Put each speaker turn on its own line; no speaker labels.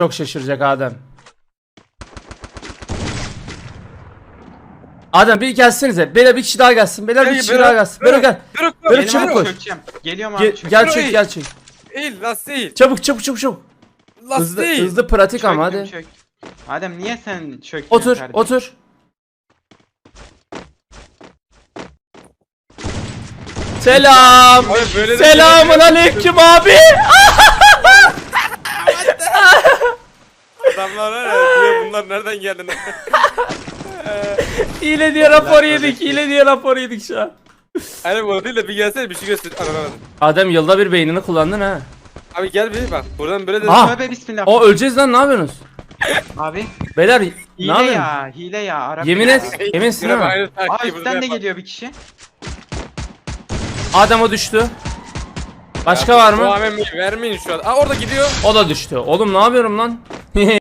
Çok şaşıracak Adem. Adem bir gelsenize. Beyler bir kişi daha gelsin. Beyler bir kişi daha gelsin. Beyler gel. Beyler çabuk koş.
Geliyorum abi.
Gel çök gel çök.
Eğil last değil.
Çabuk çabuk çabuk çabuk.
Last değil.
Hızlı pratik ama hadi.
Adem niye sen çöktün?
Otur
kardeşim?
otur. Selam.
Abi böyle de-
Selamun aleyküm abi.
Adamlar var ya diyor bunlar nereden geldi?
Hile diye rapor yedik. Hile diye rapor yedik şu an.
Hani bu değil de bir gelsene bir şey göster. Anlamadım.
Adem yılda bir beynini kullandın ha.
Abi gel bir bak buradan böyle de.
Ha.
Tövbe bismillah.
O öleceğiz lan, ne yapıyorsunuz?
Abi.
Beyler ne
Hile
yapıyorsun?
ya. Hile ya. Arap
Yemin
ya.
et. Eminsin değil mi?
Aynı
Aa
taktiği
üstten
burada
de
yapar.
geliyor bir kişi.
Adem o düştü. Başka var
Bu
mı?
AVM'yi vermeyin şu an. Aa orada gidiyor.
O da düştü. Oğlum ne yapıyorum lan?